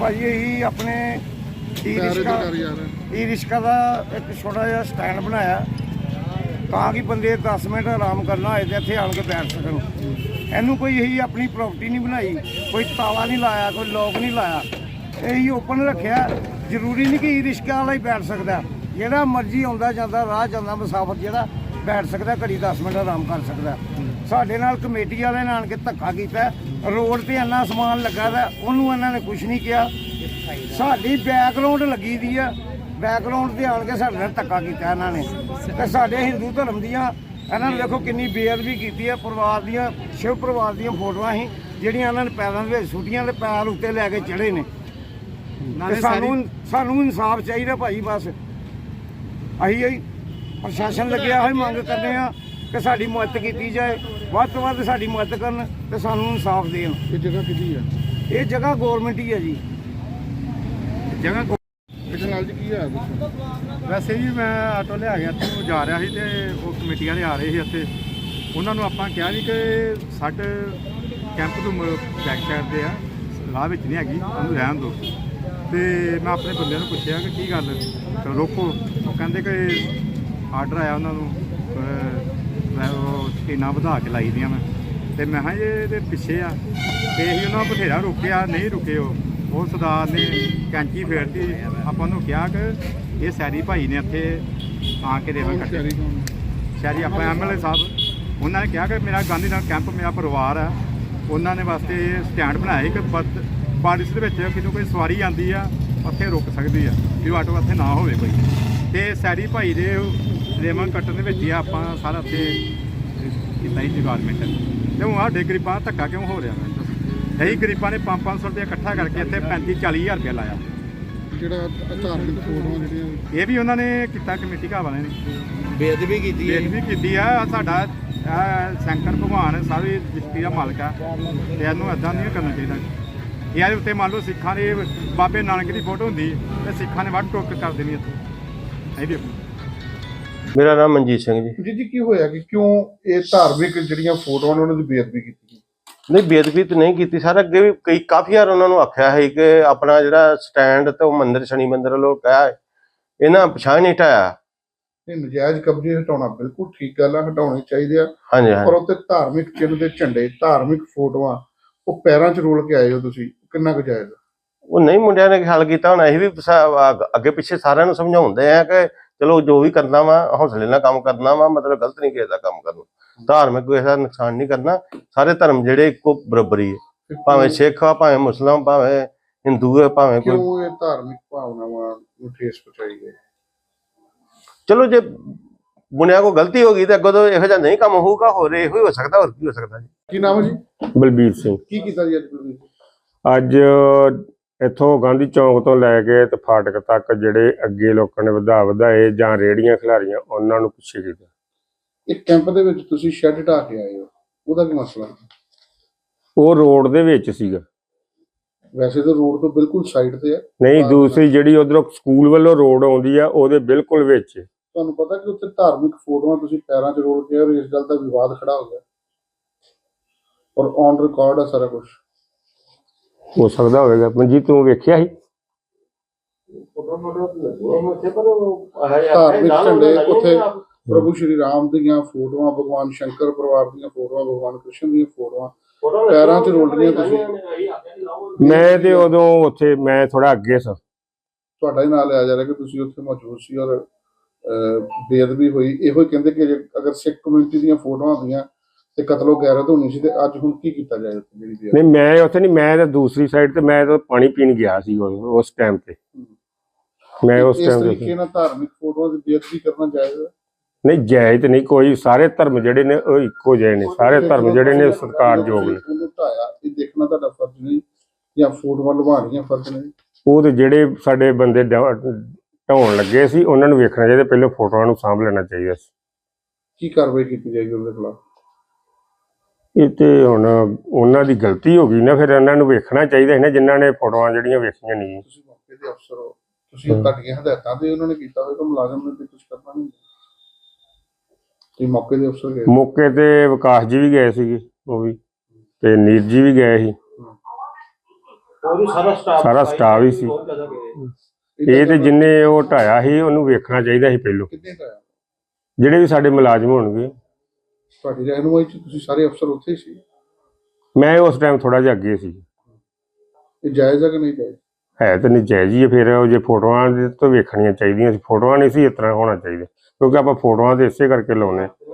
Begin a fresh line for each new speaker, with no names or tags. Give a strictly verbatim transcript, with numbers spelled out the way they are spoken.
ਭਾਜੀ ਇਹੀ ਆਪਣੇ ਈ ਰਿਸ਼ਕਾ ਈ ਰਿਸ਼ਕਾ ਦਾ ਇੱਕ ਛੋਟਾ ਜਿਹਾ ਸਟੈਂਡ ਬਣਾਇਆ ਤਾਂ ਕਿ ਬੰਦੇ ਦਸ ਮਿੰਟ ਆਰਾਮ ਕਰਨਾ ਹੋਏ ਤੇ ਇੱਥੇ ਆਣ ਕੇ ਬੈਠ ਸਕਣ। ਇਹਨੂੰ ਕੋਈ ਇਹੀ ਆਪਣੀ ਪ੍ਰਾਪਰਟੀ ਨਹੀਂ ਬਣਾਈ, ਕੋਈ ਤਾਲਾ ਨਹੀਂ ਲਾਇਆ, ਕੋਈ ਲੋਕ ਨਹੀਂ ਲਾਇਆ, ਇਹੀ ਓਪਨ ਰੱਖਿਆ। ਜ਼ਰੂਰੀ ਨਹੀਂ ਕਿ ਈ ਰਿਸ਼ਕਾ ਵਾਲਾ ਹੀ ਬੈਠ ਸਕਦਾ, ਜਿਹੜਾ ਮਰਜ਼ੀ ਆਉਂਦਾ ਜਾਂਦਾ ਰਾਹ ਜਾਂਦਾ ਮੁਸਾਫਰ ਜਿਹੜਾ ਬੈਠ ਸਕਦਾ, ਘੜੀ ਦਸ ਮਿੰਟ ਆਰਾਮ ਕਰ ਸਕਦਾ। ਸਾਡੇ ਨਾਲ ਕਮੇਟੀ ਵਾਲਿਆਂ ਨੇ ਆਣ ਕੇ ਧੱਕਾ ਕੀਤਾ, ਰੋਡ ਤੇ ਇੰਨਾ ਸਮਾਨ ਲੱਗਾ ਵਾ, ਉਹਨੂੰ ਇਹਨਾਂ ਨੇ ਕੁਝ ਨਹੀਂ ਕਿਹਾ। ਸਾਡੀ ਬੈਕਗਰਾਉਂਡ ਲੱਗੀ ਦੀ ਆ, ਬੈਕਗਰਾਉਂਡ ਤੇ ਆਣ ਕੇ ਸਾਡੇ ਨਾਲ ਧੱਕਾ ਕੀਤਾ ਇਹਨਾਂ ਨੇ। ਤੇ ਸਾਡੇ ਹਿੰਦੂ ਧਰਮ ਦੀਆਂ ਇਹਨਾਂ ਨੇ ਦੇਖੋ ਕਿੰਨੀ ਬੇਅਦਬੀ ਕੀਤੀ ਹੈ। ਪਰਿਵਾਰ ਦੀਆਂ ਸ਼ਿਵ ਪਰਿਵਾਰ ਦੀਆਂ ਫੋਟੋਆਂ ਸੀ ਜਿਹੜੀਆਂ ਇਹਨਾਂ ਨੇ ਪੈਰਾਂ ਦੇ ਵਿੱਚ ਸੁੱਟੀਆਂ ਤੇ ਪੈਰ ਉੱਤੇ ਲੈ ਕੇ ਚੜੇ ਨੇ। ਤੇ ਸਾਨੂੰ ਸਾਨੂੰ ਇਨਸਾਫ ਚਾਹੀਦਾ ਭਾਈ, ਬਸ ਅਸੀਂ ਹੀ ਪ੍ਰਸ਼ਾਸਨ ਲੱਗਿਆ ਹੋਈ ਮੰਗ ਕਰਦੇ ਆ ਕਿ ਸਾਡੀ ਮਦਦ ਕੀਤੀ ਜਾਏ, ਵੱਧ ਤੋਂ ਵੱਧ ਸਾਡੀ ਮਦਦ ਕਰਨ ਤੇ ਸਾਨੂੰ ਇਨਸਾਫ ਦੇਣ।
ਇਹ ਜਗ੍ਹਾ ਕਿਹਦੀ ਹੈ?
ਇਹ ਜਗ੍ਹਾ ਗੌਰਮੈਂਟ ਹੀ ਹੈ ਜੀ।
ਜਗ੍ਹਾ ਇਹਦੇ ਨਾਲ ਜੀ ਕੀ ਹੋਇਆ ਦੱਸੋ?
ਵੈਸੇ ਜੀ ਮੈਂ ਆਟੋ ਲਿਆ ਗਿਆ ਇੱਥੋਂ ਜਾ ਰਿਹਾ ਸੀ ਤੇ ਉਹ ਕਮੇਟੀ ਵਾਲੇ ਆ ਰਹੇ ਸੀ ਇੱਥੇ। ਉਹਨਾਂ ਨੂੰ ਆਪਾਂ ਕਿਹਾ ਜੀ ਕਿ ਸਾਡੇ ਕੈਂਪ ਤੋਂ ਬੈਕ ਸਾਈਡ ਦੇ ਆ, ਰਾਹ ਵਿੱਚ ਨਹੀਂ ਹੈਗੀ, ਉਹਨੂੰ ਰਹਿਣ ਦਿਓ। ਤੇ ਮੈਂ ਆਪਣੇ ਬੰਦਿਆਂ ਨੂੰ ਪੁੱਛਿਆ ਕਿ ਕੀ ਗੱਲ ਰੋਕੋ। ਉਹ ਕਹਿੰਦੇ ਕਿ ਆਰਡਰ ਆਇਆ ਉਹਨਾਂ ਨੂੰ, ਮੈਂ ਉਹ ਸਕੀਨਾਂ ਵਧਾ ਕੇ ਲਾਈ ਦੀਆਂ ਮੈਂ। ਅਤੇ ਮੈਂ ਕਿਹਾ ਜੀ ਇਹਦੇ ਪਿੱਛੇ ਆ, ਅਤੇ ਅਸੀਂ ਉਹਨਾਂ ਨੂੰ ਬਥੇਰਾ ਰੋਕਿਆ, ਨਹੀਂ ਰੁਕੇ। ਉਹ ਉਹ ਸਰਦਾਰ ਨੇ ਕੈਂਚੀ ਫੇਰਤੀ। ਆਪਾਂ ਨੂੰ ਕਿਹਾ ਕਿ ਇਹ ਸੈਰੀ ਭਾਈ ਨੇ ਇੱਥੇ ਆ ਕੇ ਦੇਵਾ ਕੱਟੇ। ਸ਼ਹਿਰੀ ਆਪਾਂ ਐਮ ਐਲ ਏ ਸਾਹਿਬ, ਉਹਨਾਂ ਨੇ ਕਿਹਾ ਕਿ ਮੇਰਾ ਗਾਂਧੀ ਨਗਰ ਕੈਂਪ ਮੇਰਾ ਪਰਿਵਾਰ ਆ, ਉਹਨਾਂ ਨੇ ਵਾਸਤੇ ਸਟੈਂਡ ਬਣਾਇਆ ਕਿ ਬਦ ਬਾਰਿਸ਼ ਦੇ ਵਿੱਚ ਕਿਦੋਂ ਕੋਈ ਸਵਾਰੀ ਆਉਂਦੀ ਆ ਉੱਥੇ ਰੁਕ ਸਕਦੀ ਆ, ਵੀ ਉਹ ਆਟੋ ਇੱਥੇ ਨਾ ਹੋਵੇ ਕੋਈ। ਅਤੇ ਸੈਰੀ ਭਾਈ ਦੇ ਰੇਮਨ ਕੱਟਣ ਦੇ ਵਿੱਚ ਹੀ ਆਪਾਂ ਸਾਰਾ ਉੱਥੇ ਕੀਤਾ ਹੀ ਡਿਪਾਰਟਮੈਂਟ। ਅਤੇ ਹੁਣ ਸਾਡੇ ਗਰੀਬਾਂ ਦਾ ਧੱਕਾ ਕਿਉਂ ਹੋ ਰਿਹਾ? ਮੈਂ ਇਹੀ ਗਰੀਬਾਂ ਨੇ ਪੰਜ ਪੰਜ ਸੌ ਰੁਪਇਆ ਇਕੱਠਾ ਕਰਕੇ ਇੱਥੇ ਪੈਂਤੀ ਚਾਲੀ ਹਜ਼ਾਰ ਰੁਪਇਆ ਲਾਇਆ।
ਜਿਹੜਾ ਧਾਰਮਿਕ ਫੋਟੋਆਂ ਜਿਹੜੀਆਂ
ਇਹ ਵੀ ਉਹਨਾਂ ਨੇ ਕੀਤਾ, ਕਮੇਟੀ ਘਾਹ ਵਾਲਿਆਂ ਨੇ
ਬੇਅਦਬੀ ਕੀਤੀ ਹੈ
ਬੇਅਦਬੀ ਕੀਤੀ ਆ। ਸਾਡਾ ਸ਼ੰਕਰ ਭਗਵਾਨ ਸਾਰੀ ਦ੍ਰਿਸ਼ਟੀ ਦਾ ਮਾਲਕ ਆ, ਤੇ ਇਹਨੂੰ ਇੱਦਾਂ ਨਹੀਂ ਕਰਨਾ ਚਾਹੀਦਾ। ਇਹਦੇ ਉੱਤੇ ਮੰਨ ਲਓ ਸਿੱਖਾਂ ਦੇ ਬਾਬੇ ਨਾਨਕ ਦੀ ਫੋਟੋ ਹੁੰਦੀ ਤੇ ਸਿੱਖਾਂ ਨੇ ਵੱਢ ਟੋਕ ਕਰ ਦੇਣੀ ਇੱਥੇ। ਇਹ ਵੀ
ਮੇਰਾ ਨਾਮ ਮਨਜੀਤ ਸਿੰਘ ਜੀ।
ਜੀ ਜੀ ਕੀ ਹੋਇਆ ਕਿ ਕਿਉਂ ਇਹ ਧਾਰਮਿਕ ਜਿਹੜੀਆਂ ਫੋਟੋਆਂ ਨੇ ਉਹਨਾਂ ਦੀ ਬੇਅਦਬੀ ਕੀਤੀ?
ਨਹੀਂ, ਬੇਅਦਬੀ ਤਾਂ ਨਹੀਂ ਕੀਤੀ ਸਰ। ਅੱਗੇ ਵੀ ਕਈ ਕਾਫੀ ਵਾਰ ਉਹਨਾਂ ਨੂੰ ਆਖਿਆ ਹੈ ਕਿ ਆਪਣਾ ਜਿਹੜਾ ਸਟੈਂਡ ਤੇ ਉਹ ਮੰਦਿਰ ਸ਼ਨੀ ਮੰਦਿਰ ਵੱਲੋਂ ਕਿਹਾ ਇਹਨਾਂ ਪਛਾਣ ਨਹੀਂ ਹਟਾਇਆ।
ਇਹ ਨਜਾਇਜ਼ ਕਬਜ਼ੇ ਹਟਾਉਣਾ ਬਿਲਕੁਲ ਠੀਕ ਗੱਲ ਆ, ਹਟਾਉਣੇ ਚਾਹੀਦੇ ਆ।
ਹਾਂਜੀ
ਪਰ
ਹਾਂਜੀ।
ਉੱਤੇ ਧਾਰਮਿਕ ਚਿੰਨ੍ਹ ਦੇ ਝੰਡੇ, ਧਾਰਮਿਕ ਫੋਟੋਆਂ ਉਹ ਪੈਰਾਂ 'ਚ ਰੋਲ ਕੇ ਆਏ ਹੋ ਤੁਸੀਂ, ਕਿੰਨਾ ਕੁ ਜਾਇਜ਼?
ਉਹ ਨਹੀਂ, ਮੁੰਡਿਆਂ ਨੇ ਖਿਆਲ ਕੀਤਾ ਹੋਣਾ। ਇਹ ਵੀ ਅੱਗੇ ਪਿੱਛੇ ਸਾਰਿਆਂ ਨੂੰ ਸਮਝਾਉਂਦੇ ਆ ਕਿ ਚਲੋ ਜੋ ਵੀ ਕਰਨਾ ਵਾ ਹੌਸਲੇ ਨਾਲ ਕੰਮ ਕਰਨਾ ਵਾ, ਮਤਲਬ ਗਲਤ ਨਹੀਂ ਕਿਸੇ ਦਾ ਕੰਮ ਕਰਨਾ, ਧਾਰਮਿਕ ਕਿਸੇ ਦਾ ਨੁਕਸਾਨ ਨਹੀਂ ਕਰਨਾ। ਸਾਰੇ ਧਰਮ ਜਿਹੜੇ ਇੱਕੋ ਬਰਾਬਰੀ ਹੈ, ਭਾਵੇਂ ਸਿੱਖ ਆ, ਭਾਵੇਂ ਮੁਸਲਮਾਨ, ਭਾਵੇਂ ਹਿੰਦੂ ਹੈ, ਭਾਵੇਂ ਕੋਈ।
ਕਿਉਂ ਇਹ ਧਾਰਮਿਕ ਭਾਵਨਾਵਾਂ ਨੂੰ ਠੇਸ ਪਹੁੰਚਾਈ ਗਈ?
ਚਲੋ ਜੇ ਮੁੰਡਿਆਂ ਕੋਲ ਗਲਤੀ ਹੋ ਗਈ ਤਾਂ ਅੱਗੋਂ ਤੋਂ ਇਹੋ ਜਿਹਾ ਨਹੀਂ ਕੰਮ ਹੋਊਗਾ, ਹੋਰ ਇਹੋ ਹੀ ਹੋ ਸਕਦਾ, ਹੋਰ ਕੀ ਹੋ ਸਕਦਾ ਜੀ।
ਕੀ ਨਾਮ ਹੈ ਜੀ?
ਬਲਬੀਰ ਸਿੰਘ।
ਕੀ ਕੀਤਾ ਜੀ ਅੱਜ ਤੁਸੀਂ?
ਅੱਜ ਇੱਥੋਂ ਗਾਂਧੀ ਚੌਂਕ ਤੋਂ ਲੈ ਕੇ ਤੇ ਫਾਟਕ ਤੱਕ ਜਿਹੜੇ ਅੱਗੇ ਲੋਕਾਂ ਨੇ ਵਧਾ ਵਧਾਏ ਜਾਂ ਰੇਹੜੀਆਂ ਖਿਲਾਰੀਆਂ ਉਹਨਾਂ ਨੂੰ ਪਿੱਛੇ ਕੀਤਾ।
ਇੱਕ ਕੈਂਪ ਦੇ ਵਿੱਚ ਤੁਸੀਂ ਸ਼ੈੱਡ ਢਾ ਕੇ ਆਏ ਹੋ, ਉਹਦਾ ਕੀ ਮਸਲਾ?
ਉਹ ਰੋਡ ਦੇ ਵਿੱਚ ਸੀਗਾ।
ਵੈਸੇ ਤਾਂ ਰੋਡ ਤੋਂ ਬਿਲਕੁਲ ਸਾਈਡ ਤੇ ਹੈ।
ਨਹੀਂ, ਦੂਸਰੀ ਜਿਹੜੀ ਉਧਰੋਂ ਸਕੂਲ ਵੱਲੋਂ ਰੋਡ ਆਉਂਦੀ ਆ ਉਹਦੇ ਬਿਲਕੁਲ ਵਿੱਚ।
ਤੁਹਾਨੂੰ ਪਤਾ ਕਿ ਉੱਥੇ ਧਾਰਮਿਕ ਫੋਟੋਆਂ ਤੁਸੀਂ ਪੈਰਾਂ 'ਚ ਰੋਲ ਕੇ, ਔਰ ਇਸ ਗੱਲ ਦਾ ਵਿਵਾਦ ਖੜਾ ਹੋ ਗਿਆ, ਔਰ ਔਨ ਰਿਕਾਰਡ ਹੈ ਸਾਰਾ ਕੁਝ।
ਹੋ ਸਕਦਾ ਹੋਵੇਗਾ। ਮਨਜੀਤ ਤੂੰ ਵੇਖਿਆ ਸੀ?
ਧਾਰਮਿਕ ਝੰਡੇ ਉੱਥੇ ਪ੍ਰਭੂ ਸ਼੍ਰੀ ਰਾਮ ਦੀਆਂ ਫੋਟੋਆਂ, ਭਗਵਾਨ ਸ਼ੰਕਰ ਪਰਿਵਾਰ ਦੀਆਂ ਫੋਟੋਆਂ, ਭਗਵਾਨ ਕ੍ਰਿਸ਼ਨ ਦੀਆਂ ਫੋਟੋਆਂ ਪੈਰਾਂ 'ਚ ਰੋਲ ਰਹੀਆਂ ਤੁਸੀਂ।
ਮੈਂ ਤੇ ਉਦੋਂ ਉੱਥੇ ਮੈਂ ਥੋੜਾ ਅੱਗੇ ਸਾਂ।
ਤੁਹਾਡਾ ਹੀ ਨਾਂ ਲਿਆ ਜਾ ਰਿਹਾ ਕਿ ਤੁਸੀਂ ਉੱਥੇ ਮੌਜੂਦ ਸੀ ਔਰ ਬੇਅਦਬੀ ਹੋਈ। ਇਹੋ ਹੀ ਕਹਿੰਦੇ ਕਿ ਅਗਰ ਸਿੱਖ ਕਮਿਊਨਿਟੀ ਦੀਆਂ ਫੋਟੋਆਂ ਹੁੰਦੀਆਂ ਤੇ ਕਤਲੋ ਗੈਰਤ ਹੋਣੀ ਸੀ, ਤੇ ਅੱਜ ਹੁਣ ਕੀ ਕੀਤਾ ਜਾਏ ਉੱਥੇ ਜਿਹੜੀ?
ਨਹੀਂ, ਮੈਂ ਉੱਥੇ ਨਹੀਂ, ਮੈਂ ਤਾਂ ਦੂਸਰੀ ਸਾਈਡ ਤੇ ਮੈਂ ਤਾਂ ਪਾਣੀ ਪੀਣ ਗਿਆ ਸੀ ਉਸ ਟਾਈਮ ਤੇ। ਮੈਂ ਉਸ ਟਾਈਮ ਤੇ
ਤਰੀਕੇ ਨਾਲ ਧਾਰਮਿਕ ਫੋਟੋਆਂ ਦੀ ਬੇਅਦਬੀ ਕਰਨਾ ਜਾਇਜ਼ ਹੈ?
ਨਹੀਂ, ਜਾਇਜ਼ ਤੇ ਨਹੀਂ ਕੋਈ। ਸਾਰੇ ਧਰਮ ਜਿਹੜੇ ਨੇ ਉਹ ਇੱਕੋ ਜਿਹੇ ਨੇ, ਸਾਰੇ ਧਰਮ ਜਿਹੜੇ ਨੇ ਸਤਿਕਾਰਯੋਗ ਨੇ।
ਉਹਨੂੰ ਢਾਇਆ, ਇਹ ਦੇਖਣਾ ਤੁਹਾਡਾ ਫਰਜ਼ ਨਹੀਂ ਜਾਂ ਫੋਟੋਆਂ ਲਵਾਉਣੀਆਂ ਫਰਜ਼ ਨਹੀਂ?
ਉਹ ਤੇ ਜਿਹੜੇ ਸਾਡੇ ਬੰਦੇ ਢਾਉਣ ਲੱਗੇ ਸੀ ਉਹਨਾਂ ਨੂੰ ਵੇਖਣਾ ਚਾਹੀਦਾ, ਪਹਿਲਾਂ ਫੋਟੋਆਂ ਨੂੰ ਸਾਂਭ ਲੈਣਾ ਚਾਹੀਦਾ ਸੀ।
ਕੀ ਕਾਰਵਾਈ ਕੀਤੀ ਜਾਏਗੀ ਉਹਦੇ ਖਿਲਾਫ?
ਇਹ ਤੇ ਹੁਣ ਉਹਨਾਂ ਦੀ ਗਲਤੀ ਹੋ ਗਈ ਨਾ, ਫਿਰ ਉਹਨਾਂ ਨੂੰ ਵੇਖਣਾ ਚਾਹੀਦਾ ਸੀ ਨਾ ਜਿਨ੍ਹਾਂ ਨੇ ਫੋਟੋਆਂ ਜਿਹੜੀਆਂ ਵੇਖੀਆਂ ਨਹੀਂ।
ਤੁਸੀਂ ਮੌਕੇ ਦੇ ਅਫਸਰ ਹੋ, ਤੁਸੀਂ ਤੁਹਾਡੀਆਂ ਹਦਾਇਤਾਂ ਤੇ ਉਹਨਾਂ ਨੇ ਕੀਤਾ ਹੋਵੇਗਾ, ਮੁਲਾਜ਼ਮ ਨੇ ਤੇ ਕੁਝ ਕਰਨਾ ਨਹੀਂ। ਤੁਸੀਂ ਮੌਕੇ ਦੇ ਅਫਸਰ ਗਏ?
ਮੌਕੇ ਤੇ ਵਿਕਾਸ ਜੀ ਵੀ ਗਏ ਸੀਗੇ, ਉਹ ਵੀ, ਤੇ ਨੀਰ ਜੀ ਵੀ ਗਏ ਸੀ।
ਉਹ ਸਾਰਾ ਸਟਾਫ
ਸਾਰਾ ਸਟਾਫ ਹੀ ਸੀ। ਇਹ ਤੇ ਜਿੰਨੇ ਉਹ ਢਾਇਆ ਸੀ ਉਹਨੂੰ ਵੇਖਣਾ ਚਾਹੀਦਾ ਸੀ ਪਹਿਲੋਂ,
ਕਿੰਨੇ ਟਾਈਮ
ਜਿਹੜੇ ਵੀ ਸਾਡੇ ਮੁਲਾਜ਼ਮ ਹੋਣਗੇ।
ਤੁਹਾਡੀ ਰਹਿਨੁਮਾਈ ਚ ਤੁਸੀਂ ਸਾਰੇ ਅਫਸਰ ਉੱਥੇ ਹੀ ਸੀ?
ਮੈਂ ਉਸ ਟਾਈਮ ਥੋੜਾ ਜਿਹਾ ਅੱਗੇ ਸੀ।
ਇਹ ਜਾਇਜ਼ ਹੈ ਕਿ ਨਹੀਂ ਜਾਇਜ਼?
ਹੈ ਤਾਂ ਨਜਾਇਜ਼ ਹੀ ਹੈ। ਫਿਰ ਉਹ ਜੇ ਫੋਟੋਆਂ ਦੇ ਤੋਂ ਵੇਖਣੀਆਂ ਚਾਹੀਦੀਆਂ ਸੀ, ਫੋਟੋਆਂ ਨਹੀਂ ਸੀ ਇਸ ਤਰ੍ਹਾਂ ਹੋਣਾ ਚਾਹੀਦਾ, ਕਿਉਂਕਿ ਆਪਾਂ ਫੋਟੋਆਂ ਤੇ ਇਸੇ ਕਰਕੇ ਲਾਉਂਦੇ।